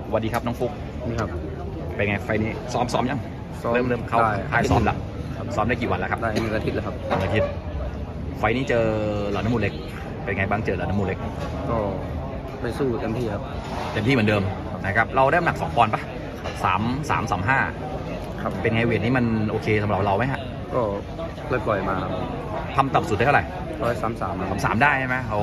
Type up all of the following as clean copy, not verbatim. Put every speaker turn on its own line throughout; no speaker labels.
สวัสดีครับน้องฟุก
นี่ครับ
เป็นไงไฟนี้ซ้อมยังเริ่มเข้า
ได้
ค่ายซ้อมแล้วซ้อมได้กี่วันแล้วครับ
ได้1 อาทิตย์แล้วครับ
1 อาทิตย์ไฟนี้เจอหลอดน้ำมูลเล็กเป็นไงบ้างเจอหลอดน้ำมูลเล็ก
ก็ไปสู้เต็มที่ครับ
เต็มที่เหมือนเดิมนะครับเราได้น้ำหนัก2 ปอนด์ปะ335
ครับ
เป็นไงเวทนี้มันโอเคสำหรับเราไหมฮะ
ก็เลยปล่อยมา
ทำต่ำสุดได้เท่าไหร่
133
33ได้ใช่ไหมอ๋อ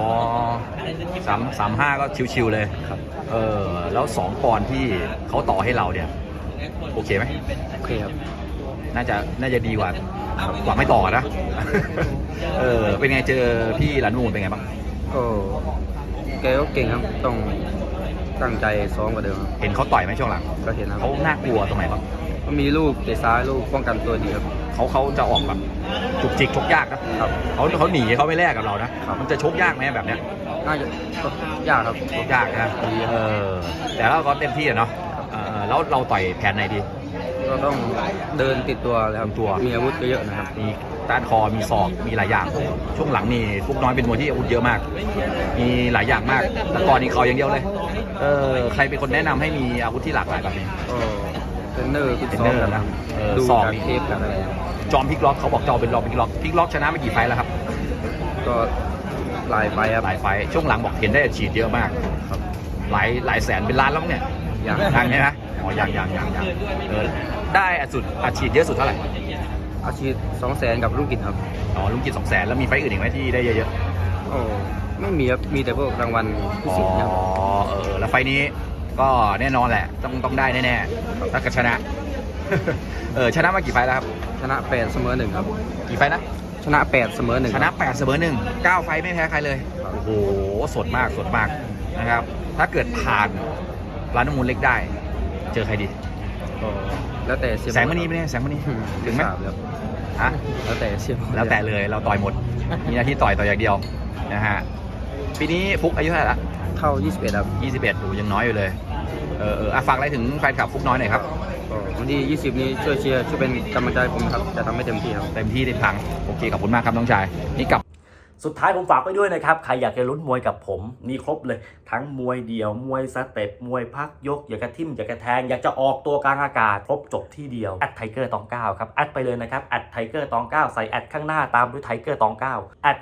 335ก็ชิวๆเลย
ครับ
แล้ว2 ปอนด์ที่เขาต่อให้เราเนี่ยโอเคไหม
โอเคครับ
น่าจะดีกว่าไม่ต่อนะ เป็นไงเจอพี่หลานมูลเป็นไงบ้าง
ก็แกก็เก่งครับต้องตั้งใจซ้อมกว่าเดิม
เห็นเขาต่อยไหมช่วงหลัง
ก็เห็นครับ
เขาน่ากลัวตรงไหนบ้าง
ก็มีลูกเตะซ้ายลูกป้องกันตัวดีครับ
เขาจะออกแบบจุกจิกชกยากนะครับเขาหนีเขาไม่แลกกับเรานะมันจะชกยากไหมแบบเนี้ย
น่าจะยากครับ
ชกยากนะแต่เราก็เต็มที่เนาะแล้วเราต่อยแผนไหนดี
ก็ต้องเดินติดตัวเลยครับมีอาวุธเยอะๆนะครับ
มีต้านคอมีศอกมีหลายอย่างช่วงหลังนี่ฟุกน้อยเป็นมวยที่อาวุธเยอะมากมีหลายอย่างมากแต่ก่อนนี่เขาอย่างเดียวเลยใครเป็นคนแนะนำให้มีอาวุธที่หลากหลายแบบนี้
เทรนเนอร์
นะ
ดู
ศอก
เทปกันอะไร
จอมพลิกล็อกเขาบอกจอมเป็นรองพลิกล็อกชนะมากี่ไฟแล้วครับ
ก็หลายไฟครับ
หลายไฟช่วงหลังบอกเห็นได้ฉีดเยอะมาก
ครับ
หลายแสนเป็นล้านแล้วเนี่ย
ยัง
ใช่ไหมอ๋อยังได้อัดฉีดเยอะสุดเท่าไหร่
อาชีพ200,000กับลุงกิจครับ
อ๋อลุงกิจ200,000แล้วมีไฟอื่นอีกไหมที่ได้เยอะ
ๆโอ้ไม่มีครับมีแต่พวกรางวัลพิเศษครับ
แล้วไฟนี้ก็แน่นอนแหละต้องได้แน่ๆถ้าเกิดชนะชนะมากี่ไฟแล้วครับ
ชนะ8เสมอ1ครับ
กี่ไฟนะ
ชนะ8เสมอ1
ชนะ8เสมอ1 9 ไฟไม่แพ้ใครเลยโอ้โหสดมากนะครับถ้าเกิดผ่านร้านน้ำมูลเล็กได้เจอใครดี
แล้วแต่
แสงมณีไหมเนี่ยแสงมณีถึงไหมฮะ
แล้วแต่เชียร์
แล้วแต่เลยเราต่อยหมดมีหน้าที่ต่อยอย่างเดียวนะฮะปีนี้ฟุกอายุเท่าไหร่ละ
เข้า21ครับ
21ดูยังน้อยอยู่เลยฝากอะไรถึงแฟนคลับฟุกน้อยหน่อยครับ
วันที่20นี้ช่วยเชียร์ช่วยเป็นกำลังใจผมครับจะทำให้เต็มที่ครับ
เต็มที่ได้พังโอเคขอบคุณมากครับน้องชายนี่กับ
สุดท้ายผมฝากไปด้วยนะครับใครอยากจะลุ้นมวยกับผมมีครบเลยทั้งมวยเดี่ยวมวยสเต็ปมวยพักยกอยากกระทิ่มอยากกระแทงอยากจะออกตัวกลางอากาศครบจบที่เดียวแอดไทเกอร์ตอง9ครับแอดไปเลยนะครับแอดไทเกอร์ตอง9ใส่แอดข้างหน้าตามด้วยไทเกอร์ตอง9แอด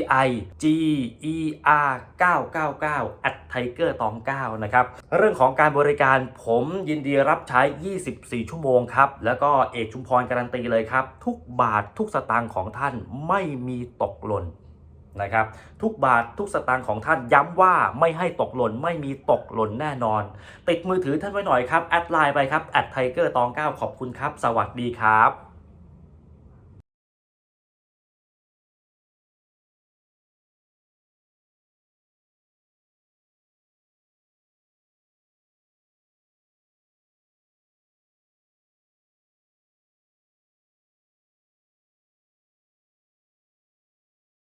TIGER 999แอดไทเกอร์ตอง9นะครับเรื่องของการบริการผมยินดีรับใช้24 ชั่วโมงครับแล้วก็เอกชุมพรการันตีเลยครับทุกบาททุกสตางค์ของท่านไม่มีตกหล่นนะครับทุกบาททุกสตางค์ของท่านย้ำว่าไม่ให้ตกหล่นไม่มีตกหล่นแน่นอนติดมือถือท่านไว้หน่อยครับแอดไลน์ไปครับแอดไทเกอร์ตอง9ขอบคุณครับสวัสดีครับ